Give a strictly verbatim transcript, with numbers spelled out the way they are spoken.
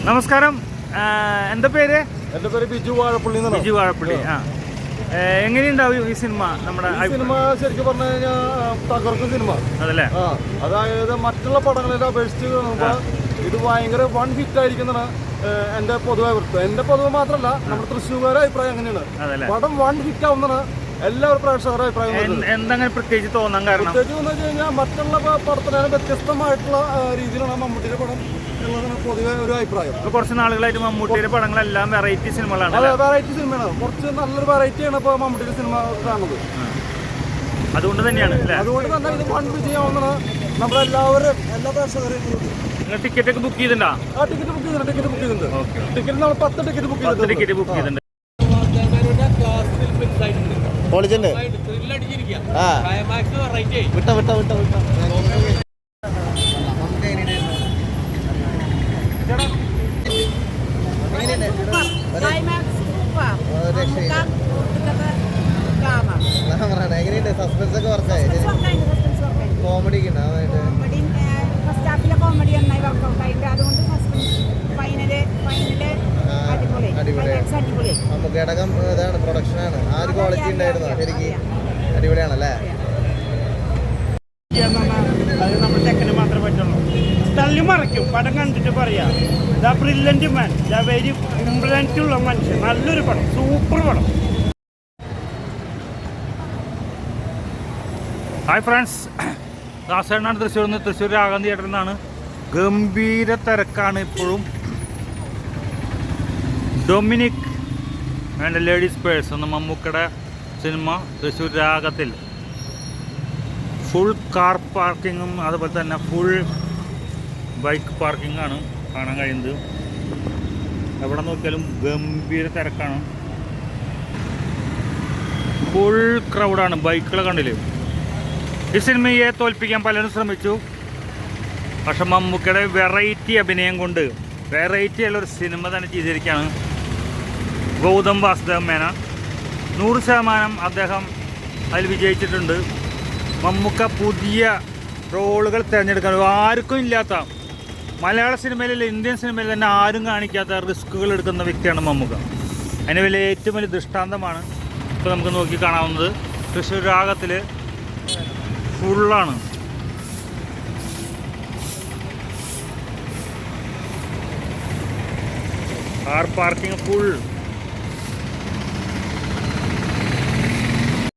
നമസ്കാരം. എന്താ പേര്? എൻ്റെ പേര് ബിജു വാഴപ്പള്ളി. ബിജു വാഴപ്പള്ളി. ആ, എങ്ങനെയുണ്ടാവും ഈ സിനിമ? നമ്മുടെ സിനിമ ശരിക്കും പറഞ്ഞു കഴിഞ്ഞാൽ തകർക്കും സിനിമ അതല്ലേ. ആ അതായത് മറ്റുള്ള പടങ്ങളെ അപേക്ഷിച്ച് നോക്കുമ്പോൾ ഇത് ഭയങ്കര വൺ ഹിറ്റ് ആയിരിക്കുന്നതാണ് എൻ്റെ പൊതുവെ അഭിപ്രായം. എൻ്റെ പൊതുവെ മാത്രമല്ല നമ്മുടെ തൃശ്ശൂർക്കാരുടെ അഭിപ്രായം അങ്ങനെയാണ്. പടം വൺ ഹിറ്റ് ആവുന്നതാണ് എല്ലാവരും പ്രേക്ഷകരുടെ അഭിപ്രായം. എന്തെങ്കിലും പ്രത്യേകിച്ച് തോന്നാൻ കാരണം പ്രത്യേകിച്ച് എന്ന് വെച്ച് കഴിഞ്ഞാൽ മറ്റുള്ള പടത്തിനാണ് വ്യത്യസ്തമായിട്ടുള്ള രീതിയിലാണ് മമ്മൂട്ടിയുടെ പടം എന്നുള്ളതാണ് പൊതുവെ ഒരു അഭിപ്രായം. കുറച്ച് നാളുകളായിട്ട് മമ്മൂട്ടിയുടെ പടങ്ങളെല്ലാം വെറൈറ്റി സിനിമകളാണ്. അതെ, വെറൈറ്റി സിനിമയാണ്. കുറച്ച് നല്ലൊരു വെറൈറ്റിയാണ് ഇപ്പോൾ മമ്മൂട്ടിയുടെ സിനിമ കാണുന്നത്. അതുകൊണ്ട് തന്നെയാണ് അതുകൊണ്ട് തന്നെ ഇത് വൺ വിജയമാവുന്നതാണ് നമ്മളെല്ലാവരും എല്ലാ പ്രേക്ഷകരെയും. നിങ്ങൾ ടിക്കറ്റ് ഒക്കെ ബുക്ക് ചെയ്തിട്ടുണ്ടോ? ആ ടിക്കറ്റ് ബുക്ക് ചെയ്തിട്ടുണ്ട്. ടിക്കറ്റ് ബുക്ക് ചെയ്തിട്ടുണ്ട്. ടിക്കറ്റ് നമ്മൾ പത്ത് ടിക്കറ്റ് ബുക്ക് ചെയ്തിട്ടുണ്ട്. ടിക്കറ്റ് ബുക്ക് ചെയ്തിട്ടുണ്ട്. പൊളിച്ചിട്ടുണ്ട്. വിട്ട വിട്ട വിട്ട വിട്ട എങ്ങനെയുണ്ട്? സസ്പെൻസ് ഒക്കെ വർക്കായി. കോമഡി നമുക്ക് ഘടകം ഇതാണ്, പ്രൊഡക്ഷനാണ്. ആ ഒരു ക്വാളിറ്റി ഉണ്ടായിരുന്നു. ശരിക്കും അടിപൊളിയാണല്ലേ. അത് നമ്മുടെ ചെക്കന് മാത്രമേ പറ്റുള്ളൂ. തള്ളി മറിക്കും പടം കണ്ടിട്ട് പറയാം. The brilliant man, the very important ഉള്ള മനുഷ്യൻ. നല്ലൊരു പടം, സൂപ്പർ പടം. ഹായ് ഫ്രണ്ട്സ്, ദാസേണ്ണാണ് തൃശ്ശൂർ നിന്ന്. തൃശ്ശൂർ രാഗം തിയേറ്ററിൽ നിന്നാണ്. ഗംഭീര തിരക്കാണ് ഇപ്പോഴും. ഡൊമിനിക് ആൻഡ് ലേഡീസ് പേഴ്സ് എന്ന മമ്മൂക്കയുടെ സിനിമ തൃശ്ശൂർ രാഗത്തിൽ ഫുൾ കാർ പാർക്കിങ്ങും അതുപോലെ തന്നെ ഫുൾ ബൈക്ക് പാർക്കിങ്ങാണ് കാണാൻ കഴിയുന്നത്. എവിടെ നോക്കിയാലും ഗംഭീര തിരക്കാണ്. ഫുൾ ക്രൗഡാണ്. ബൈക്കുകളെ കണ്ടില്ലേ. ഈ സിനിമയെ തോൽപ്പിക്കാൻ പലരും ശ്രമിച്ചു. പക്ഷെ മമ്മൂക്കയുടെ വെറൈറ്റി അഭിനയം കൊണ്ട് വെറൈറ്റി ഉള്ളൊരു സിനിമ തന്നെ ചെയ്തിരിക്കുകയാണ് ഗൗതം വാസുദേവ മേനോൻ. നൂറ് ശതമാനം അദ്ദേഹം അതിൽ വിജയിച്ചിട്ടുണ്ട്. മമ്മൂക്ക പുതിയ റോളുകൾ തിരഞ്ഞെടുക്കാൻ ആർക്കും ഇല്ലാത്ത, മലയാള സിനിമയിലെ ഇന്ത്യൻ സിനിമയിൽ തന്നെ ആരും കാണിക്കാത്ത റിസ്കുകൾ എടുക്കുന്ന വ്യക്തിയാണ് മമ്മൂക്ക. അതിന് വലിയ ഏറ്റവും വലിയ ദൃഷ്ടാന്തമാണ് ഇപ്പോൾ നമുക്ക് നോക്കി കാണാവുന്നത്. തൃശ്ശൂർ രാഗത്തിൽ ഫുള്ളാണ്. Car parking full.